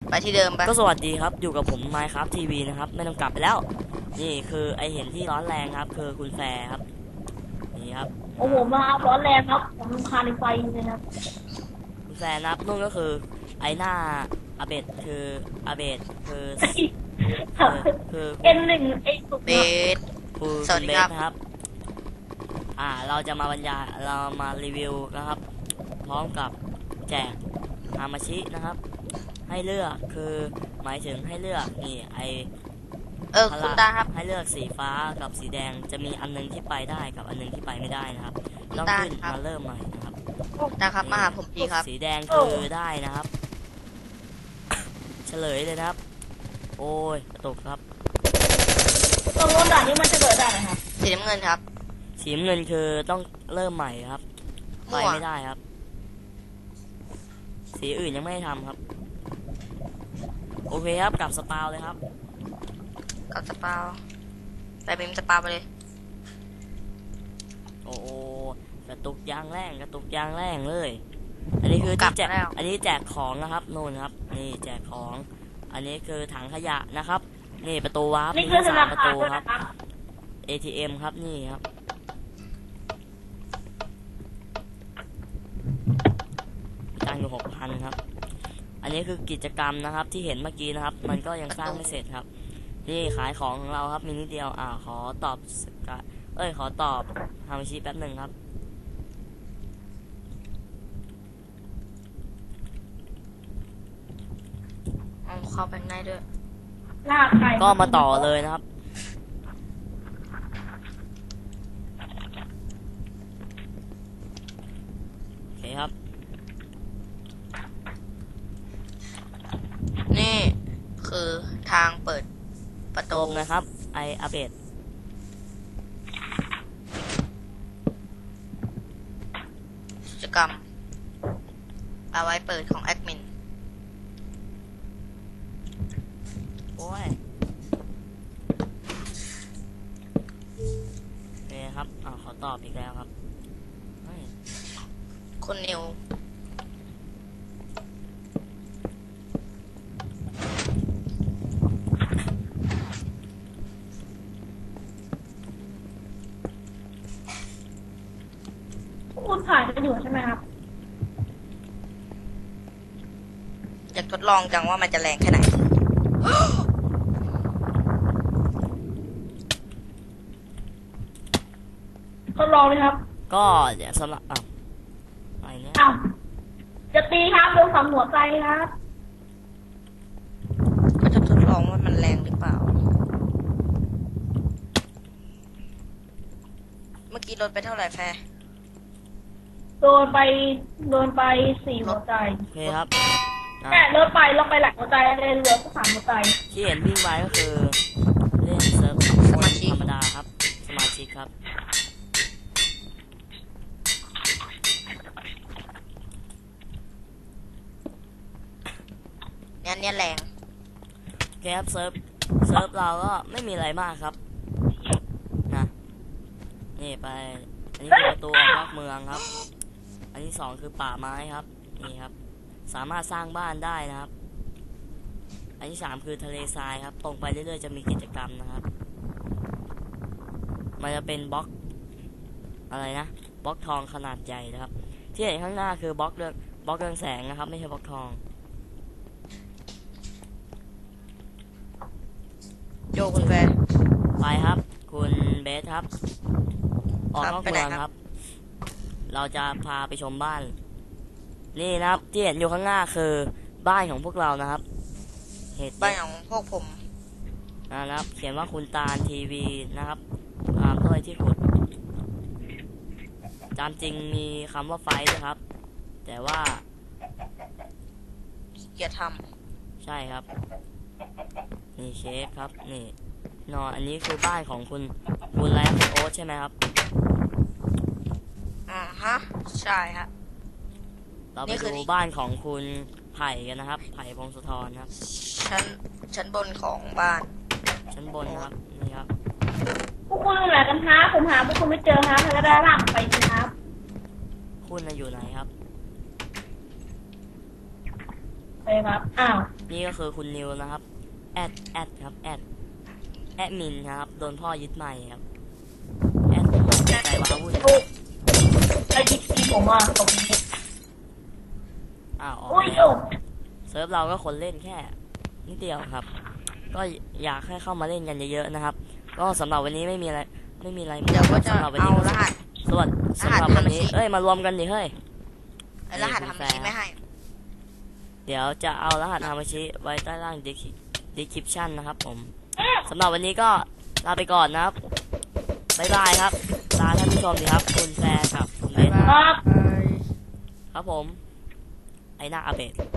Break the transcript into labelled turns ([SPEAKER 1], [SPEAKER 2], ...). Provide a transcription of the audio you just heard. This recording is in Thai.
[SPEAKER 1] ไปที่เดิมไป
[SPEAKER 2] ก็สวัสดีครับอยู่กับผม Minecraft TV นะครับไม่ต้องกลับไปแล้วนี่คือไอเห็นที่ร้อนแรงครับคือคุณแฟร์ครับนี่ครับ
[SPEAKER 3] โอ้โหมาร้อนแรงครับผมรำคาญไฟเลยครับ
[SPEAKER 2] คุณแฟร์นับนู่นก็คือไอหน้าอาเบดคืออาเบดคือคือ
[SPEAKER 3] N1 ไอ้สุก
[SPEAKER 1] เบส
[SPEAKER 2] คือ
[SPEAKER 1] สวั
[SPEAKER 2] คุ
[SPEAKER 1] ส
[SPEAKER 2] ณ
[SPEAKER 1] ดี
[SPEAKER 2] เบ
[SPEAKER 1] ครั
[SPEAKER 2] ส
[SPEAKER 1] บ
[SPEAKER 2] นะครับเราจะมาบรรยายเรามารีวิวนะครับพร้อมกับแจกฮามาชินะครับให้เลือกคือหมายถึงให้เลือกนี่ไอ
[SPEAKER 1] คุณตาครับ
[SPEAKER 2] ให้เลือกสีฟ้ากับสีแดงจะมีอันนึงที่ไปได้กับอันนึงที่ไปไม่ได้นะครับต้องขึ้นมาเริ่มใหม่นะครับ
[SPEAKER 1] นะครับมาหาผมทีครับ
[SPEAKER 2] สีแดงคือได้นะครับเฉลยเลยนะครับโอ้ยกระตุกครับ
[SPEAKER 3] ตรงโน้นด่านนี้มันจะเกิดได้ครับ
[SPEAKER 1] สีน้ำเงินครับ
[SPEAKER 2] สีน้ำเงินคือต้องเริ่มใหม่ครับไปไม่ได้ครับสีอื่นยังไม่ได้ทำครับโอเคครับกลับสปาวเลยครับ
[SPEAKER 1] กับสปาวไปเป็นสปาวไปเลย
[SPEAKER 2] โอ้กระตุกยางแรงกระตุกยางแรงเลยอันนี้คือที่แจกอันนี้แจกของนะครับโน่นครับนี่แจกของอันนี้คือถังขยะนะครับนี่ประตูวาร์ป
[SPEAKER 3] นี่คือธนา
[SPEAKER 2] ประ
[SPEAKER 3] คาร
[SPEAKER 2] ตู
[SPEAKER 3] ด้วย
[SPEAKER 2] ครับ
[SPEAKER 3] นะครับ
[SPEAKER 2] ATM ครับนี่ครับตังค์อยู่ 6,000 ครับอันนี้คือกิจกรรมนะครับที่เห็นเมื่อกี้นะครับมันก็ยังสร้างไม่เสร็จครับนี่ขายของของเราครับมีนิดเดียวขอตอบขอตอบฮามิชิแป๊บหนึ่งครับ
[SPEAKER 1] เข้าไปง่ายด้วย
[SPEAKER 3] ลากไก่
[SPEAKER 2] ก็มาต่อเลยนะครับโอเคครับ
[SPEAKER 1] นี่คือทางเปิดประตู
[SPEAKER 2] นะครับไออัปเดต
[SPEAKER 1] กิจกรรมเอาไว้เปิดของแอดมิน
[SPEAKER 2] โอ้ยนี่ครับขอตอบอีกแล้วครับ
[SPEAKER 1] คุณนิว
[SPEAKER 3] คุณถ่ายกันอยู่ใช่ไหมครับ
[SPEAKER 1] อยากทดลองจังว่ามันจะแรงแค่ไหน
[SPEAKER 3] ทดลองเลยครับ
[SPEAKER 2] ก็เดี๋ยวสำหรับอะไรเนี่ย
[SPEAKER 3] จะตีครับโดนสามหัวใจครับ
[SPEAKER 1] ก็จะทดลองว่ามันแรงหรือเปล่าเมื่อกี้ลดไปเท่าไหร่แฟร์
[SPEAKER 3] โดนไป4 หัวใจ
[SPEAKER 2] โอเคครับ
[SPEAKER 3] แต่ลดไปหลักหัวใจเลยเหลือแค่3 หัวใจ
[SPEAKER 2] ที่เห็นวิ่งไปก็คือเล่นเซิร์ฟสมาชิกธรรมดาครับสมาชิกครับ
[SPEAKER 1] เนี่ยแรง
[SPEAKER 2] โอเคครับเซิร์ฟเราก็ไม่มีอะไรมากครับนะนี่ไปอันนี้คือประตูออกนอกเมืองครับอันที่2คือป่าไม้ครับนี่ครับสามารถสร้างบ้านได้นะครับอันที่3คือทะเลทรายครับตรงไปเรื่อยๆจะมีกิจกรรมนะครับมันจะเป็นบล็อกอะไรนะบล็อกทองขนาดใหญ่นะครับที่เห็นข้างหน้าคือบล็อกเรืองแสงนะครับไม่ใช่บล็อกทอง
[SPEAKER 1] โยคุณแฟร์
[SPEAKER 2] ไปครับคุณเบสครับออกนอกเมืองครับเราจะพาไปชมบ้านนี่นะครับที่เห็นอยู่ข้างหน้าคือบ้านของพวกเรานะครับ
[SPEAKER 1] บ้านของพวกผม
[SPEAKER 2] นะครับเขียนว่าคุณตาลทีวีนะครับด้วยที่ขุดตามจริงมีคำว่าไฟด้วยครับแต่ว่า
[SPEAKER 1] อย่าท
[SPEAKER 2] ำใช่ครับนี่เชฟครับนี่อันนี้คือบ้านของคุณอะไรคุณโอ๊ตใช่ไหมครับ
[SPEAKER 1] ฮะใช่ฮะ
[SPEAKER 2] เราไปดูบ้านของคุณไผ่กันนะครับไผ่พงศธรครับ
[SPEAKER 1] ชั้นบนของบ้าน
[SPEAKER 2] ชั้นบนครับนี่ครับ
[SPEAKER 3] พวกคุณอยู่ไหนกันฮะผมหาพวกคุณไม่เจอฮะแล้วได้ร่างไปครับ
[SPEAKER 2] คุณอยู่ไหนครับ
[SPEAKER 3] ไปครับอ้าว
[SPEAKER 2] นี่ก็คือคุณนิวนะครับแอดครับแอดมินครับโดนพ่อยึดใหม่ครับแอดใจว้าวุ่น
[SPEAKER 3] ลูกไอ้ที่ผมอ่ะตรงนี้
[SPEAKER 2] อ้าวออก
[SPEAKER 3] อุ้ย
[SPEAKER 2] แล้ว
[SPEAKER 3] โอ้
[SPEAKER 2] เซิร์ฟเราก็คนเล่นแค่นิดเดียวครับ ก็อยากให้เข้ามาเล่นกันเยอะๆนะครับ ก็สำหรับวันนี้ไม่มีอะไรมาก
[SPEAKER 1] เดี๋ยวก็จะ
[SPEAKER 2] สำหรับวัน
[SPEAKER 1] เอา
[SPEAKER 2] นี้
[SPEAKER 1] รหัส
[SPEAKER 2] สำหรับวันนี้ เอ้ยมารวมกันดิเฮ้ย
[SPEAKER 1] รหัสทำบัญชีไม่ให้
[SPEAKER 2] เดี๋ยวจะเอารหัสฮามาชิไว้ใต้ล่าง description นะครับผมสำหรับวันนี้ก็ลาไปก่อนนะครับบ๊ายบายครับลาท่านผู้ชมดีครับคุณแฟร์ครับผมเล่น
[SPEAKER 3] ครับ
[SPEAKER 2] ครับผม ไอหน้าอาเบะ